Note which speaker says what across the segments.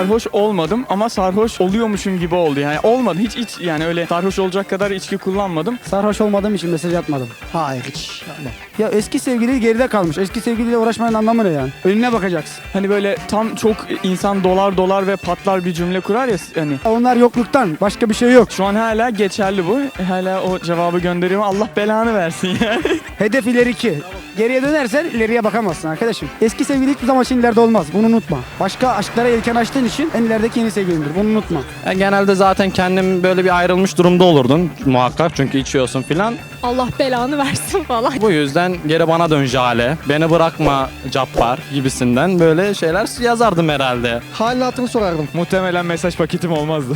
Speaker 1: sarhoş olmadım ama sarhoş oluyormuşum gibi oldu. Yani olmadı hiç yani öyle sarhoş olacak kadar içki kullanmadım.
Speaker 2: Sarhoş olmadığım için mesaj atmadım. Hayır hiç. Ya eski sevgili geride kalmış. Eski sevgiliyle uğraşmanın anlamı ne yani? Önüne bakacaksın.
Speaker 1: Hani böyle tam çok insan dolar ve patlar bir cümle kurar ya hani.
Speaker 2: Onlar yokluktan. Başka bir şey yok.
Speaker 1: Şu an hala geçerli bu. Hala o cevabı gönderiyorum. Allah belanı versin yani.
Speaker 2: Hedef ileriki. Geriye dönersen ileriye bakamazsın arkadaşım. Eski sevgili hiçbir zaman için ileride olmaz. Bunu unutma. Başka aşklara yelken açtığın için en ilerideki yeni sevgilindir. Bunu unutma.
Speaker 3: Genelde zaten kendim böyle bir ayrılmış durumda olurdun muhakkak çünkü içiyorsun filan.
Speaker 4: Allah belanı versin falan.
Speaker 3: Bu yüzden geri bana dön Jale, beni bırakma Cappar gibisinden böyle şeyler yazardım herhalde.
Speaker 5: Halini hatırını sorardım.
Speaker 1: Muhtemelen mesaj paketim olmazdı.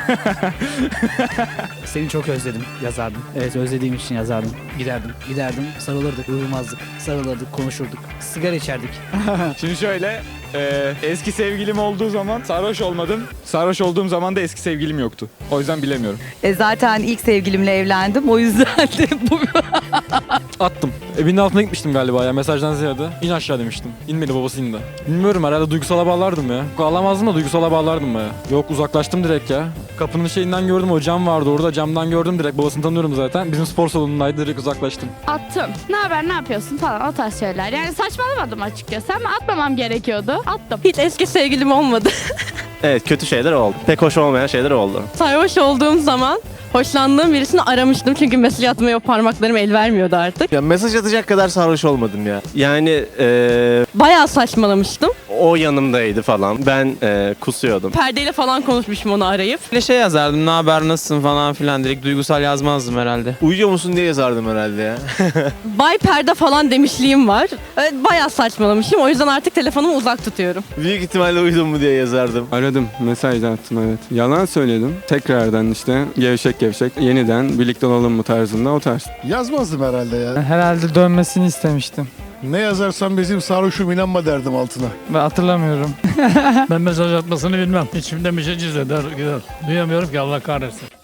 Speaker 6: Seni çok özledim yazardım. Evet özlediğim için yazardım. Giderdim sarılırdık, uyumazdık, sarılırdık, konuşurduk, sigara içerdik.
Speaker 1: Şimdi şöyle eski sevgilim olduğu zaman sarhoş olmadım. Sarhoş olduğum zaman da eski sevgilim yoktu. O yüzden bilemiyorum.
Speaker 7: Zaten ilk sevgilimle evlendim. O yüzden de bu.
Speaker 8: Attım. Evinin altına gitmiştim galiba ya mesajdan ziyade. İn aşağı demiştim. İnmedi, babası indi. Bilmiyorum, herhalde duygusala bağlardım ya. Ağlamazdım da duygusala bağlardım baya. Yok, uzaklaştım direkt ya. Kapının şeyinden gördüm, o cam vardı orada, camdan gördüm direkt, babasını tanıyorum zaten. Bizim spor salonundaydı, direkt uzaklaştım.
Speaker 4: Attım. Ne haber, ne yapıyorsun falan, o tarz şeyler. Yani saçmalamadım açıkçası ama atmamam gerekiyordu. Attım.
Speaker 9: Hiç eski sevgilim olmadı.
Speaker 10: Evet, kötü şeyler oldu. Pek hoş olmayan şeyler oldu.
Speaker 9: Sarhoş olduğum zaman hoşlandığım birisini aramıştım çünkü mesaj atmaya parmaklarım el vermiyordu artık.
Speaker 10: Ya mesaj atacak kadar sarhoş olmadım ya. Yani
Speaker 9: Bayağı saçmalamıştım.
Speaker 10: o yanımdaydı falan. Ben kusuyordum.
Speaker 9: Perdeyle falan konuşmuşum onu arayıp.
Speaker 3: Ne şey yazardım, ne haber, nasılsın falan filan, direkt duygusal yazmazdım herhalde.
Speaker 10: Uyuyor musun diye yazardım herhalde ya.
Speaker 9: Bay perde falan demişliğim var. Evet, bayağı saçmalamışım, o yüzden artık telefonumu uzak tutuyorum.
Speaker 10: Büyük ihtimalle uyudun mu diye yazardım.
Speaker 11: Aradım, mesaj attım, evet. Yalan söyledim. Tekrardan işte gevşek yeniden birlikte olalım mı tarzında, o tarz.
Speaker 5: Yazmazdım herhalde ya.
Speaker 1: Herhalde dönmesini istemiştim.
Speaker 5: Ne yazarsan bizim sarhoşum inanma derdim altına.
Speaker 1: Ben hatırlamıyorum.
Speaker 6: Ben mesaj atmasını bilmem. İçimde bir şey cizleder gider. Duyamıyorum ki Allah kahretsin.